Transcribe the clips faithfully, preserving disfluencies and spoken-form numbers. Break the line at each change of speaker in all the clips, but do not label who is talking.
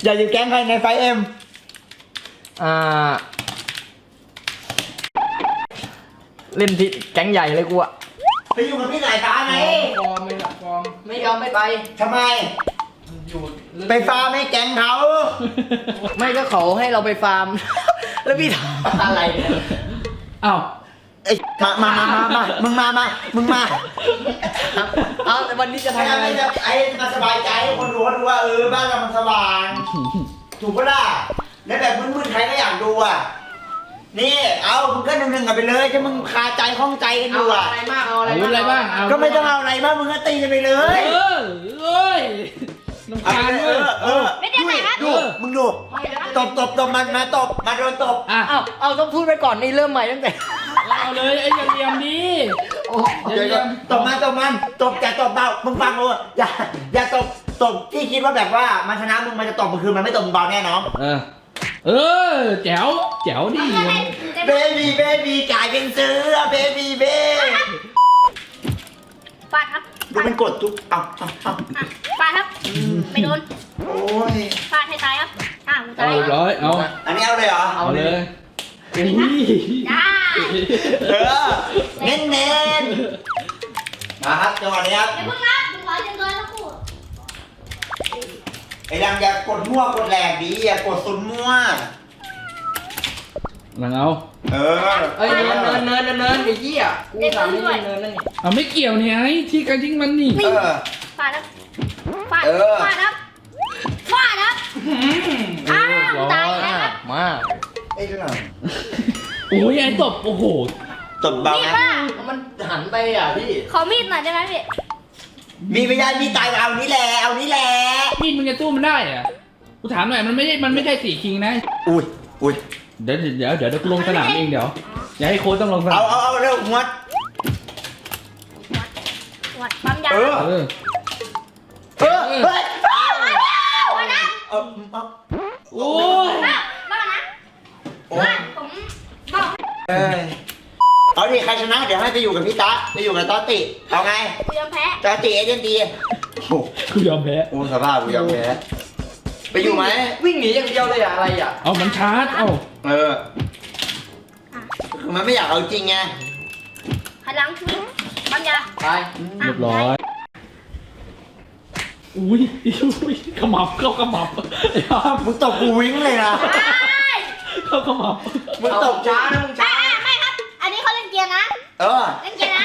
อยากอยู่แก๊งใครในไฟเอ็ม
อ่าเล่นที่แก๊งใหญ่เลยกูอะ
ไปอยู่กับพี่สายฟ้าไง
ฟอร์มไม่ฟอร์มไม่ยอมไม่ไป
ทำไมอยู่ไปฟาร์มให้แก๊งเขา
ไม่ก็เขาให้เราไปฟาร์มแล้วพี่ทำอะไรเนี่ยอ้าว
ไอ้มามามามามามึงมามามึงมา
เอาแต่วันนี้จะทำอะไร
ไอ้มาสบายใจให้คนดูเขาดูว่าเออบ้านเรามันสว่างถูกปะล่ะแล้วแบบมึนๆใครก็อยากดูอ่ะนี่เอามึงก็หนึ่งๆกันไปเลยจะมึงคาใจข้องใจกันอยู่อ่ะ
อะไรมากเอาอะไรบ้าง
ก็ไม่ต้องเอาอะไรมากมึงก็ตีกันไปเลย
เออเอ้ยน้ำตาลเออเออ
ไม่ได้ไหนครับ
ดูมึงดูตบตบตบมันมาตบมาโดนตบ
อ่ะเอาเอาต้องพูดไปก่อนนี่เริ่มใหม่ตั้งแต่
เอาเลยไอ้อย่าเลียมดี
เดี๋ยวตบมันตบมันตบอย่าตบเบามึงฟังกูอย่าอย่าตบตบที่คิดว่าแบบว่ามันชนะมึงมันจะตบมึงคือมันไม่ตบมึงเบาแน่น้อง
เออเออแจ๋วแจ๋วดิ
เบบี้เบบี้กลายเป็นเสือเบบี้เบ
ฟาดครับ
ดูมันกดทุกเอาเอาเอา
ฟาดครับไม่โดน
โอ้ย
ฟาดให้ตายครับอ่ากูตาย
เอาร้อยเอา
อันนี้เอาเลยเหรอ
เอาเลย
ได้
เออเน้นเน้นมาครับจังหวะนี้ครับ
อย่าเพิ่งรับมึงขอจังเลยแล้วกู
ไอ้ดังอย่ากดมั่วกดแหลกดีอย่ากดซุนมั่ว
หลังเอา
เออ
เอ้ยเนินเนินเนินเนินไอ้ยี่อ่ะกูสามนี่เนินนั่นนี่
เอาไม่เกี่ยวเนี่ยไอ้ที่กันทิ้งมันนี่
เออ
ฟาดครับฟาดฟาดครับฟาดครับอ้าวตายแล้ว
มา
ไอ้เรื่อง
โอ้ยไอ้ตบโอ้โห
ตบเบานะ
มันหันไปอ่ะพี่
ขอมีดหน่อยได้ไหมพี่
มีไม่ได้มีตายเอานี้แหละเอานี้แหละ
มีดมึงจะตู้มันได้อ่ะกูถามหน่อยมันไม่ได้มันไม่ได้สี่คิงนะ
อุ้ยอุ้ย
เดี๋ยวเดี๋ยวเดี๋ยวเดี๋ยวลงสนามเองเดี๋ยวอย่าให้โค้ชต้องลงสนาม
เอาเอาเอาเร็วมัด
วัดปั๊มยา
เออ
เออ
เออเฮ้ย
วันนั้น
เออ
โอ้ย
บ้านะบ้าผมบอก
เออเอาดิใครชนะเดี๋ยวให้ไปอยู่กับพี่ตาไปอยู่กับตอติเอาไง
กูยอมแพ้
ตอติเอเจนตี
กูยอมแพ้
โอ้สภาพกูยอมแพ้ไปอยู่ไหม
วิ่งหนีอย่างเดียวเลยอะอะไรอะ
เอามันชาร์จเอา
เออคือมันไม่อยากเอาจริงไง
หันหลังวิ่งปั๊มยา
ไป
เรียบร้อยอุ้ยอุ้ยขมับเข้าขมับ
มึงตบกูวิ่งเลยนะ
เข้าขมับ
มึงตบช้านะมึงช้า
ไม่ครับอันนี้เขาเล่นเกียร์นะ
เออ
เล่นเกียร์นะ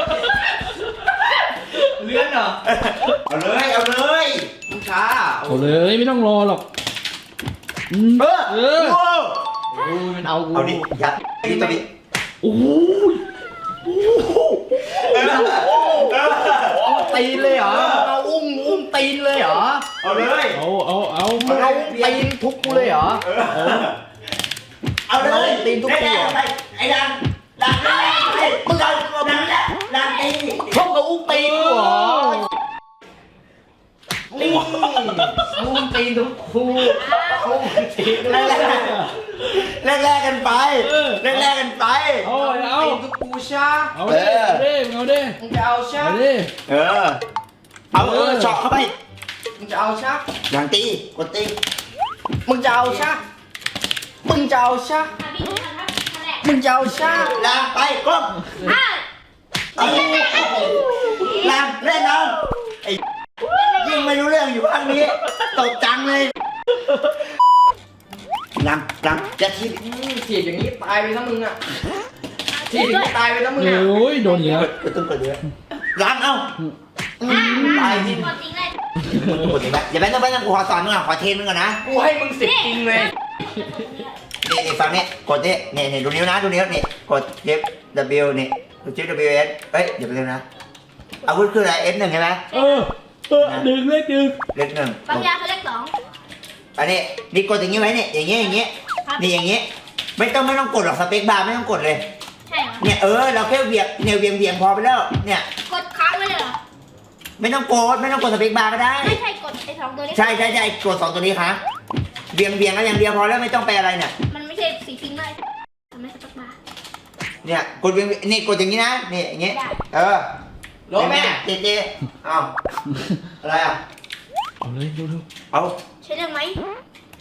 เลื่อนเหรอ
เอาเลยเอาเลย
มึงช้า
เอาเลยไม่ต้องรอหรอก
เออเออ
โอ้ยมันเอากู
เอาดิยัดดิตัวนี้
โอ้ย
ตีนเลยเหรอเอาอุ้มอุ้มตีนเลยเหรอ
เอาเลย
เอาเอาเอา
มึงเอาตีนทุบกูเลยเหรอ
เอาเลยตีนทุบกูไอ้ดังดังดังมึงเอาดังดังตี
ชกกับอุ้มตีนกูเหรอนี่อุ้มตีนทุกครูอุ้มตีนแรก
แรกแรกกันไปแรกแรกกันไป
เอาเอา
ตีนทุกครูชา
เอาเด้เด้เอาเด้
มึงจะเอาชา
เอาเด้
เออเอาเออเจาะเข้าไป
มึงจะเอาชา
อย่างตีกดตี
มึงจะเอาชามึงจะเอาชามึงจะเอาชา
ลามไปก้มลามเล่นเอาไอ้ยิ่งไม่รู้เรื่องอยู่ข้างนี้ตกจังเลยลามลามจะที
ถีบอย่างนี้ตายไปทั้งมึงอ่ะถีบอย่างนี้ตายไปทั้งมึงอ่ะ
โอ้ยโดนเยอะ
ก็ต้องกดเยอะลามเอาตายจริงกดจริงเลยกดจริงไหมอย่าไปต้องไปต้องกูขอสอนมึงอ่ะขอเทรนมึงก่อนนะ
กูให้มึงสิบจริงเลย
นี่นี่ฟังนี่กดนี่นี่นี่ดูนิ้วนะดูนิ้วนี่กด F W นี่กด F W S เฮ้ยเดี๋ยวไปเร็วนะอาวุธคืออะไร F หนึ่งใช่ไหม
เออเออหนึ่งเลขหนึ่ง
เลขหนึ่ง
ปั๊มยาเขาเลขสอง
อันนี้นี่กดอย่างงี้ไว้เนี่ยอย่างงี้อย่างงี้นี่อย่างงี้ไม่ต้องไม่ต้องกดหรอกสเปคบาร์ไม่ต้องกดเลย
ใช่เหรอ
เนี่ยเออเราแค่เวียงเนี่ยเวียงเวียงพอไปแล้วเนี่ย
กดค้างไว้เลยเหรอ
ไม่ต้องกดไม่ต้องกดสเปคบาร์ก็ได้
ไม่ใช่กดไอ้สองตัวนี้
ใช่ใช่ใช่กดสองตัวนี้ค่ะเวียงเวียงก็อย่างเดียวพอแล้วไม่ต้องไปอะไรเนี่ย
มันไม่ใช่สีพิงค์เลยทำไมสเปคบาร์
เนี่ยกดเวียงนี่กดอย่างงี้นะนี่อย่างงี้เออ
ลงแม่
เจ๊เจ๊เอาอะไรอ่ะ
เอาเลยดูดู
เอา
ใช่เรื่องไหม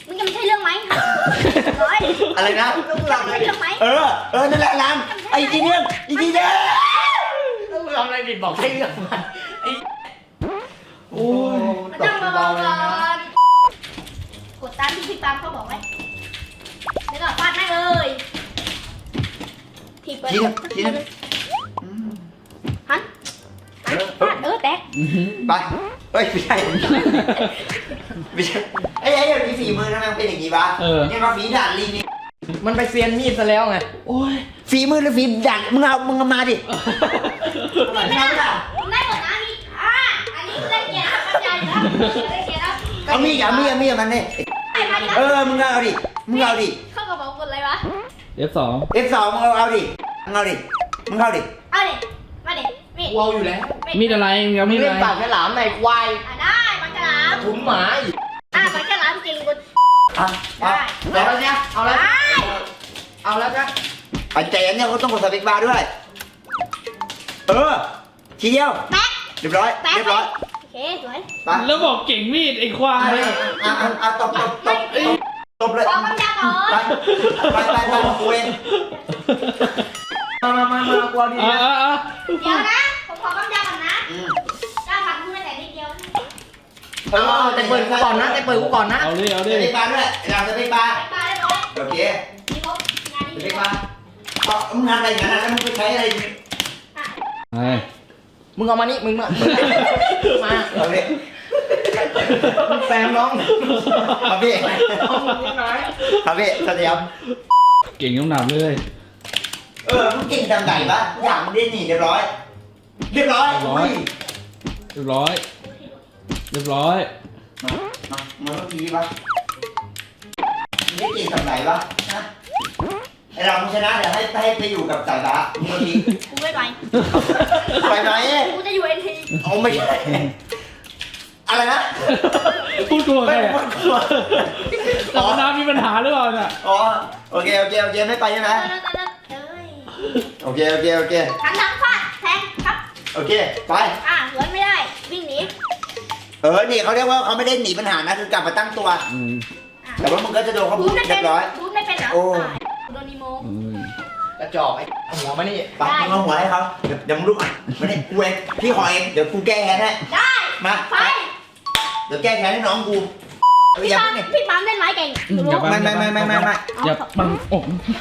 มึงจะไม่ใช่เรื่องไหมร้อย
อะไรนะ
มึงจะไม่ใช่เรื่องไหม
เออเออนั่นแหละรันไอ้จีเนียมไอ้จีเนียม
ต้องทำอะไรผิดบอกให้เรื่องมันไอ้โอ้ย
มัน
ต
ต้อก ง
เบา
เบา
ๆเลยนะ
ๆกดตามที่พี่ปามเขาบอกไว้แล้วก็ฟาดแม่งเลยทีเปิด
จีเนียมจีเนียม
หันหันฟาดเออแตก
ไปเฮ้ยไม่ใช่ไม่ใช่ไอ้ไอ้เดี๋ยวนี้ฝีมือทำไมมันเป็นอย่างนี้วะเนี่ยมาฝีดาดลิงนี่
มันไปเซียนมีดซะแล้วไง
โอ้ย
ฝีมือหรือฝีดาดมึงเอามึงเอามาดิ
ไม่ได้ผมได้หมดนะนี่อ่าอันนี้ได้เกียรติครับอาจารย์ครับได้เกียรติครับ
เอามีดเอามีดเอามีดมันนี่
ไอ้มัน
เออมึงเอาดิมึงเอาดิ
เข้ากระเป๋ากดอะไรวะ
เอฟสอง
เอฟสองมึงเอาเอาดิมึงเอาดิมึงเอาดิ
เอาดิมาดิมีด
กูเอาอยู่แล้ว
มีดอะไรมึงเอา
มึ
มี
ง
ด
เล่น
อะไร
ปากฉลามในควาย
อ่ะได้มันฉลาม
ถุงหมาอีก
อ่ะมันฉลามจริงกู
อ่ะ
ได้
เอาแล้วเนี่ยเอาแล้ว
ได้
เอาแล้วจ้ะ
ไอ้เจนเนี่ยเขาต้องกดสเปกบาร์ด้วย เออทีเดียว
แป๊ก
เรียบร้อย
แป๊ก
เรียบร้อย
โอเคสวย
ไป
แล้วบอกเก่งมีดไอ้ควาย
อ่ะอ่ะอ่ะตบตบตบตบตบเลย
ขอคำยาก่อน
ไปไปไปไปกูเอง
มามามามากูเอาดี
อ่า
นะ
อ่าอ่า
เดี๋ยวนะผมขอคำยาก่อนนะ
อืม
เจ้าผัดมึงไม่แต่นิดเดียวนะ
เออแต่เปิดกูก่อนนะแต่เปิดกูก่อนนะ
เอาดิเอา
ส
ดิ
เปกบาร์ด้วยเราสเปกบาร์
ไปเรียบร้อย
โอเค
มีครบงาน
ส
นี้
เปกบาร์ต่อมึงทำอะไรอย่างนั้นนะแล้วมึงไปใช้อะไรเนี่ย
อ่ะ
ไอ้
มึงเอามานี่มึงมามา
เอาดิ
มึงแฟนน้อง
ครับพี่
น้องมึงไหน
ครับพี่สวัสดีครับ
เก่งยกหนามเลย
เออมึงเก่งจำไหนปะอย่างมึงได้หนีเรียบร้อย เรียบร้อยอุ้ย
เรียบร้อยเรียบร้อย
มามามาเมื่อกี้ปะมึงได้เก่งจำไหนปะนะไอเรามึงชนะเดี๋ยวให้ให้ไปอยู่กับสายตาเมื่อกี้
กูไม่ไป
ไปไหน
กูจะอยู่เอ็นที
เอาไม่ใช่อะไรนะ
พูดตัวใคร
ไม่
อ่ะ
พูดกลัว
แต่ว่าน้ำมีปัญหาหรือเปล่าเนี่ย
อ๋อโอเคโอเคโอเคไม่ไปใช่ไหม
เออเออเออเอ้ย
โอเคโอเคโอเค
หันหลังฟาดแทงครับ
โอเคไป
อ่ะสวนไม่ได้ วิ่งหนี
เออนี่เขาเรียกว่าเขาไม่ได้หนีปัญหานะคือกลับมาตั้งตัว
อืม
อ่ะ
แต่ว่ามึงก็จะโดนเขา
บู
พู
ม
ด
ไม่
เรี
เป็
ย
น
บร้อย
บูมไม่เป็นเหรอ
โอ้
อ่ะโดนนีโม
อืม
กระจอกไอ้หัวมานี่
ไปมึงเอาหัวให้เขาเดี๋ยวเดี๋ยวมึงลุกอ่ะมาเนี่ยกูเองพี่ขอเองเดี๋ยวกูแก้แค้นให้
ได้
มา
ไป
เดี๋ยวแก้แค้นให้น้องกูเออ
พี่
อย่า
ปั๊ม
เพิ่งเนี่ย
พี่ปั๊มเล่นไม้เก่ง
อืม
รู้
อย่า
ไม่ไม่ไม่ไม่ไม่ไม่
อย่าปังอก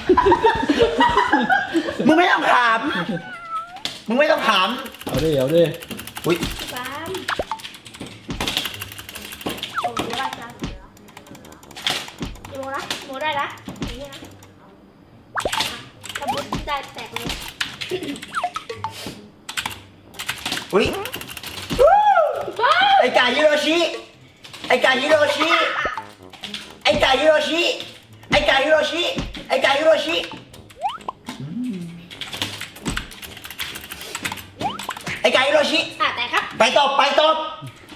มึงไม่ต้องถามมึงไม่ต้องถาม
เอาดิเอาดิ
อุ้ย
พี่ปั๊มโอ้ยได้จ้ะโมนะโมได้ละอย่างนี้นะอ่ะถ้าบูมได้แตกเลย
อุ้ย
ว้าว
ไอ้กาฮิโรชิไอ้กาฮิโรชิไอ้กาฮิโรชิไอ้กาฮิโรชิไอ้กาฮิโรชิไอ้กาฮิโรชิ
อ่ะแต่ครับ
ไปตบไปตบ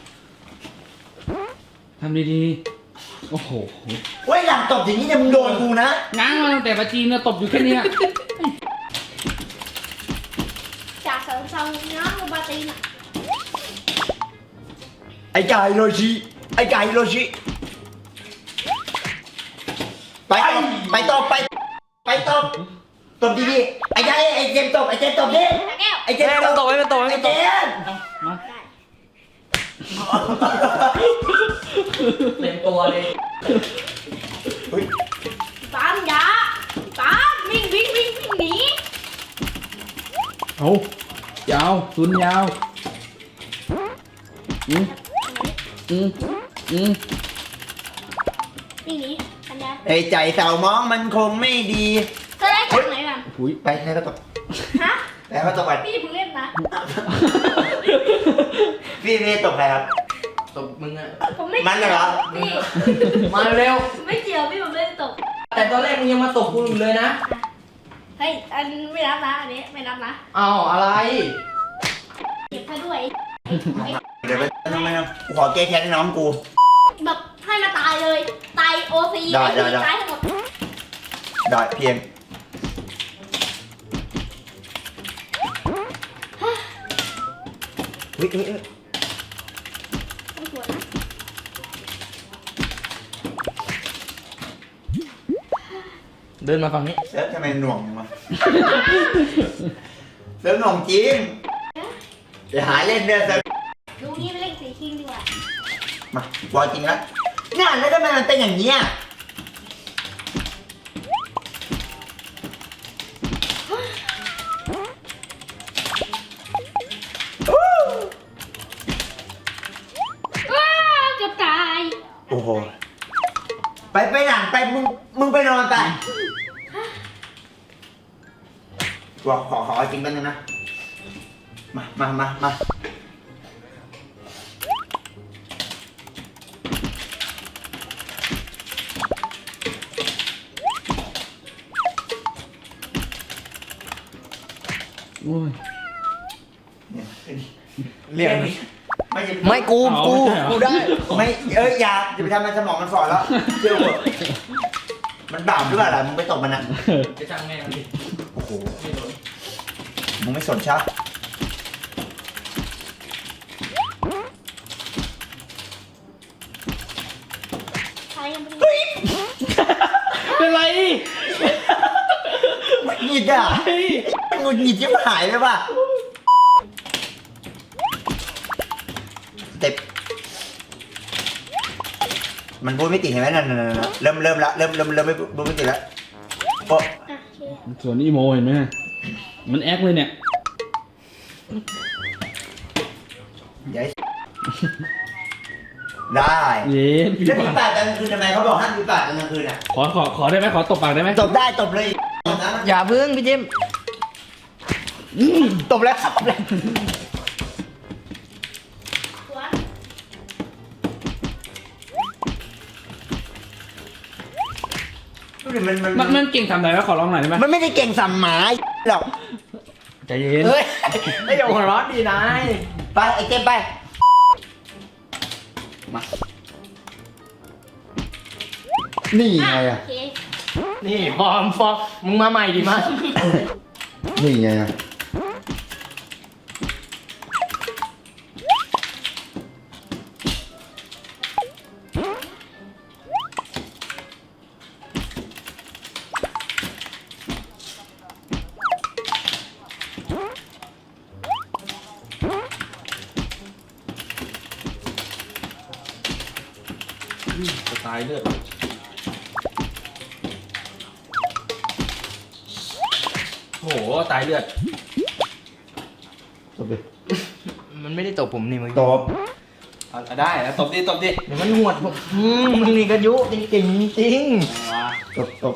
ทำดีๆโอ้โห
เว้ยหลังตบอย่างนี้เนี่ยมึงโดนกูนะ
ง้างมาตั้งแต่ปาจีนนะตบอยู่แค่เนี้ย
จากเสริมทรงน้องบาตีนอ่ะ
ไอ้กาฮิโรชิไอ้กาฮิโรชิไปตบไปตบไปไปตบตบดีๆไอ้ยายไอ้เจมส์ตบไอ้เจมส์ตบดิ
ตะแก้ว
ไอ้เจมส์ตบไอ้เจมส์
มา
ได้
เต็มตัวเลย
เฮ้ย
ปั๊มยาปั๊มวิ่งวิ่งวิ่งวิ่งหนี
เอายาวซุนยาวอืมอืมอืม
วิ่งหนีปัญญา
ไอ้ใจเศร้ามองมันคงไม่ดี
จะได้จากไหนกัน
หุย
ไปให้เขาตบ
ฮะ
ไปให้เขาตบไป
พี่เพิ่งเล่นนะ
พี่พี่ตบใครครับ
ตบมึงอะ
ผมไม่
มันเหรอ
พี่
มาเร็ว
ผมไม่เกี่ยวพี่ผมเล่นตก
แต่ตอนแรกมึงยังมาตบกูอยู่เลยนะ
เฮ้ยอันไม่รับนะอันนี้ไม่รับนะ
อ้าวอะไร
เก็บให้ด้วย
เดี๋ยวไปทำไมนะกูขอแก้แค้นให้น้องกู
แบบให้มาตายเลย ตายโอซี
ได้ได้ได้
ตายทั้งหมด
ได้เพียงเฮ้ยเฮ้ยเฮ้ย
ต้องสวนนะ
ดินมาฝั่งนี้
เซิร์ฟทำไมหน่วงจังวะเซิร์ฟหน่วงจริงเดี๋ยวหาเล่นเด้อเซิร์ฟ
ดูนี่ไปเล่นสีคิงดีกว่า
มาบอลจริงแล้วงานแล้วทำไมมันเป็นอย่างนี้ย
ว้าวเกือบตาย
โอ้โหไปไปหนังไปมึงมึงไปนอนไปตัวขอขอจริงกันนึงนะมามามามา
โอ้ย
เรียกไม่ใช่
ไม่กู
เอา
กู
ไม่ใช่เหรอ
กูได้
ไม่เอ้ยอย่าจะไปทำมันสมองมันฝ่อแล้วเชื่อผมมันบาปด้วยอะไรมึงไปตบมันอ่ะ
จะช่างแม่มันดิ
โอ้โห
ไม่โดน
มึงไม่สนชัก
ใครยังไม่ได้
เป็นไร
มันหงิดอ่ะมันหงุดหงิดที่หายเลยว่ะเต็บมันพูดไม่ติดเห็นไหมนั่นนั่นนั่นเริ่มเริ่มละเริ่มเริ่มเริ่มไม่พูดไม่ติดละโอ้
อ่ะโอเค
ส่วนอีโมเห็นไหมมันแอคเลยเนี่ย
ยายได้
เย็น
แล้วมีปากกลางคืนทำไมเขาบอกห้ามมีปากกลางคืนอ่ะ
ขอขอขอได้ไหมขอตบปากได้ไหม
ตบได้ตบเลยนะ
อย่าพึ่งพี่จิม
อืม
ตบแล้วตบแล้ว
สวน
ดูดิมันมัน
มันมันเก่งทำอะไรวะขอร้องหน่อยได้ไหม
มันไม่ได้เก่งสัมหมาหรอก
ใจเย็น
เฮ้ยไม่อย่าหัวร้อนดีนาย
ไปไอ้เต้มไป
มา
นี่ไง
อ่ะ
อ่ะ
โอเค
นี่ฟอร์มฟอร์มมึงมาใหม่ดิมา
นี่ไงอ่ะ
จะตายเลือด
โหตายเลือด
ตบดิ
มันไม่ได้ตบผมนี่มึง
ตบ
เอาได้แล้วตบดิตบดิ
เดี๋ยวมันหวดผมอืมมึงนี่กระยุจริงจริงจริง
ว้า
ตบตบ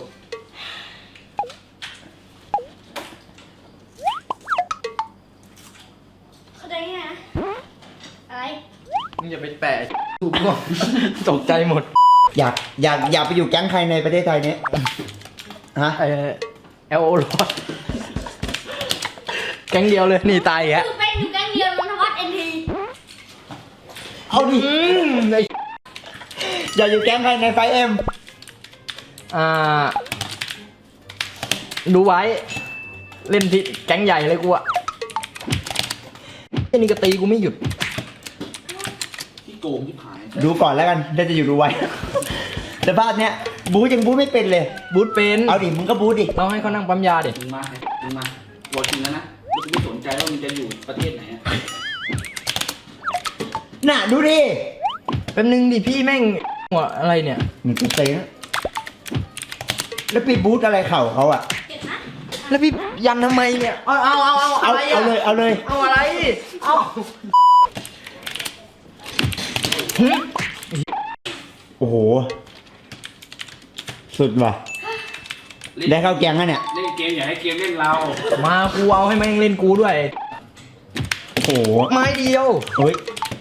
เข้าใจไงนะอะไร
มึงอย่าไปแปะถูกป่ะตกใจหมด
อยากอยากอยากไปอยู่แก๊งใครในประเทศไทยเนี้ยฮะ
เออเอลโอรอดแก๊งเดียวเลยนี่ตายอีกแล้ว
คือเป็นอยู่แก๊งเดียวนนทวัฒน์เอ็นที
เอาดิ
อืมไอ้
อยากอยู่แก๊งใครในไฟเอ็ม
อ่า ดูไว้ เล่นที่แก๊งใหญ่เลยกูอะไอ้นี่ก็ตีกูไม่หยุด
ที่โกงที่ผาย
ดูก่อนแล้วกันได้จะอยู่ดูไว้ แต่ภาพเนี้ยบูยังบูไม่เป็นเลย
บูทเป็น
เอาดิมึงก็บูดิ
เราให้เขานั่งปั๊มยาเด็
มึงมามึงมาตัวจริงแล้วนะแล้วกูไม่สนใจว่ามึงจะอยู่ประเทศไหนอะ
น่ะดูดิ
แป๊บนึงดิพี่แม่งหัวอะไรเนี่ย
มันกูเต้นะแล้วปีบูทอะไรเข่าเขาอ่ะ
เจ็บนะ
แล้วพี่ยันทำไมเนี่ย เอาเอาเอาเอา
เอา
อะไร
เอา
อะ
เลยเอาเลย
เอาอะไร เอา
โอ้โห สุดว่ะ ได้เข้าแก๊งแล้วเนี่ย
เล่นเกมอย่าให้เกมเล่นเรา
มากูเอาให้แม่งเล่นกูด้วย
โอ้โห
ไม้เดียว
เฮ้ย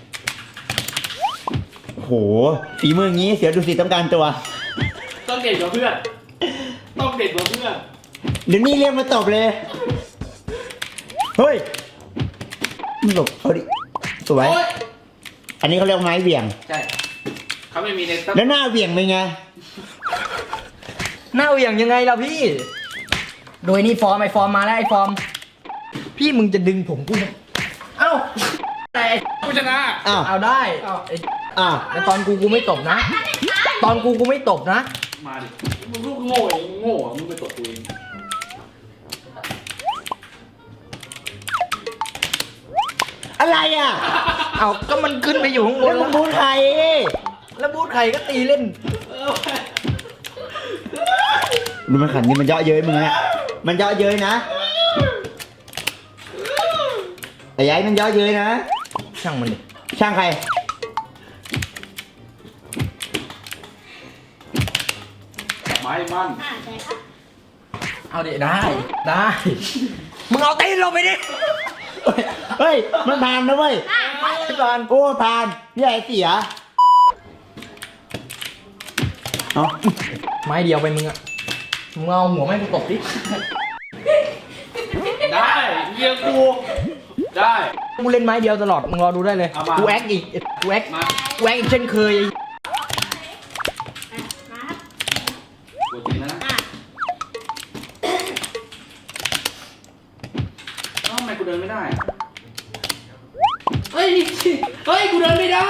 โอ้โห ฝีมืออย่างงี้เสียดูสิต้องการตัว
ต้องเด็ดกว่าเพื่อนต้องเด็ดกว่าเพื่อน
เดี๋ยวนี้เรียกมาตบเลย เฮ้ยมึงหลบเอาดิ สวย
โอ๊ย
อันนี้เขาเรียกไม้เหวี่ยง
ใช่เขาไม่มีในตั้ง
แล้วหน้าเหวี่ยงเป็นไง
หน้าเหวี่ยงยังไงล่ะพี่ โดยนี่ฟอร์มไอฟอร์มมาแล้วไอฟอร์ม พี่มึงจะดึงผมกูเอ้าแต่
ผู้ชนะ
อ้าว
เอาได้ไอ้
อ้าว
แต่ตอนกูกูไม่ตบนะ ตอนกูกูไม่ตบนะ
มมาดิมึงลูกโง่เองโง่อะมึงไปตดตัวเอง
อะไรอ่ะ
เอาก็มันขึ้นไปอยู่ข้างบ
แล้
น
วมึงบูทใคร
แล้วบูธใครก็ตีเล่น
ดูมันขันนี่มันเยาะเย้ยมึงฮะมันเยาะเย้ยนะไอ้ยัยมันเยาะเย้ยนะ
ช่างมันดิ
ช่างใคร
ไม้มัน
อ่าใช่ครับ
เอาดิได้ ได้ มึงเอาตีนลงไปดิ
เฮ้ย มันผ่านนะเว้ย
อ่า
ก่อน
โอ้ผ่านพี่ใหญ่เสียเอา
ไม้เดียวไปมึงอะมึงเอาหัวแม่งกูตบดิ
ได้เยี่ยกูได้
กูเล่นไม้เดียวตลอด มึงรอดูได้เลย
เอามา
กูแอคอีก กูแอค
มา
กูแอคอีกเช่นเคย
อ่ะมาครับ
กดจริงนะ
อ่ะ
เอ้าทำไมกูเดินไม่ได้อะเฮ้ยเฮ้ยกูเดินไม่ได้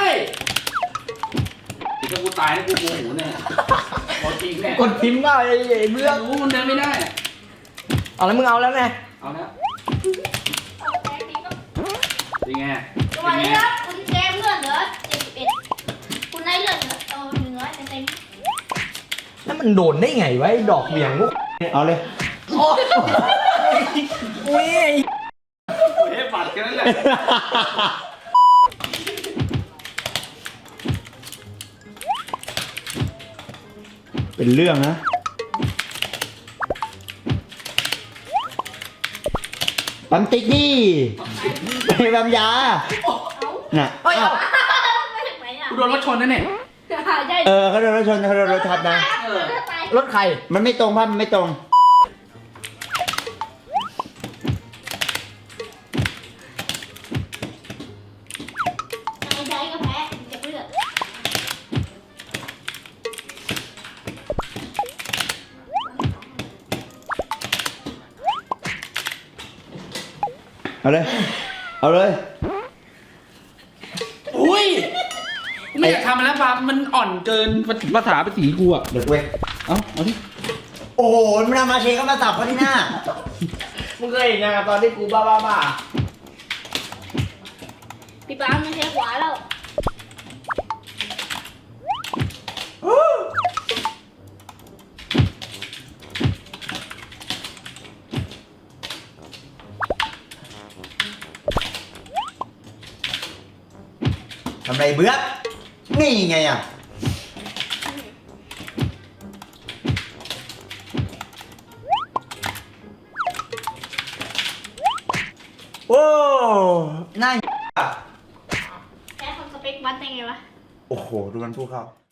ถ้ากูตายนะกูโมโหเนี่ยกดจริงแน่
กดพิมพ์ว่าไอ้ไอ้เบื่อ
รู้มันเดินไม่ได้อะ
เอาแล้วมึงเอาแล้วไง
เอาแล้ว
เอาแป๊บนี้ก็
เป็นไง
จังหวะนี้ครับคุณเจมส์เลือดเหลือเจ็ดสิบเอ็ดคุณได้เลือดเหลือเอาหนึ่งร้อยเต็ม
แล้วมันโดนได้ไงวะไอ้ดอกเหวี่ยงพวก
เอาเลย
โอ้ยอุ้ย
เฮ้ยปัดแค่นั้นแหละ
เป็นเรื่องนะปั๊มติ๊กดิไปปั๊มยา
ๆเอา
น่ะ
เฮ้ยเอา
ไม่ถึงไหนอ่ะ
กูโดนรถชนนั่นเนี่ย
ใช่
เออเขาโดนรถชนเขาโดนรถทับนะ
เออตาย
รถใคร
มันไม่ตรงภาพมันไม่ตรง
ตายใจก็แพ้เจ็บเลือด
เอาเลย เอาเลย
อุ้ยกูไม่อยากทำมันแล้วปามันอ่อนเกินภาษาภาษีกูอ่ะ
เด็กเว้ย
เอ้าเอาดิ
โอ้โหมันเอามาเชก็มาสับเขาที่หน้า
มึงเคยเห็นยังตอนที่กูบ้าบ้าบ้า
พี่ปามไม่ใช่ขวาแล้ว
ทำไรเบื้อนี่ไงอ่ะ โอ้น่า
แพ้คนสเปควัดได้ไงวะ
โอ้โห ดูมันพูดเข้า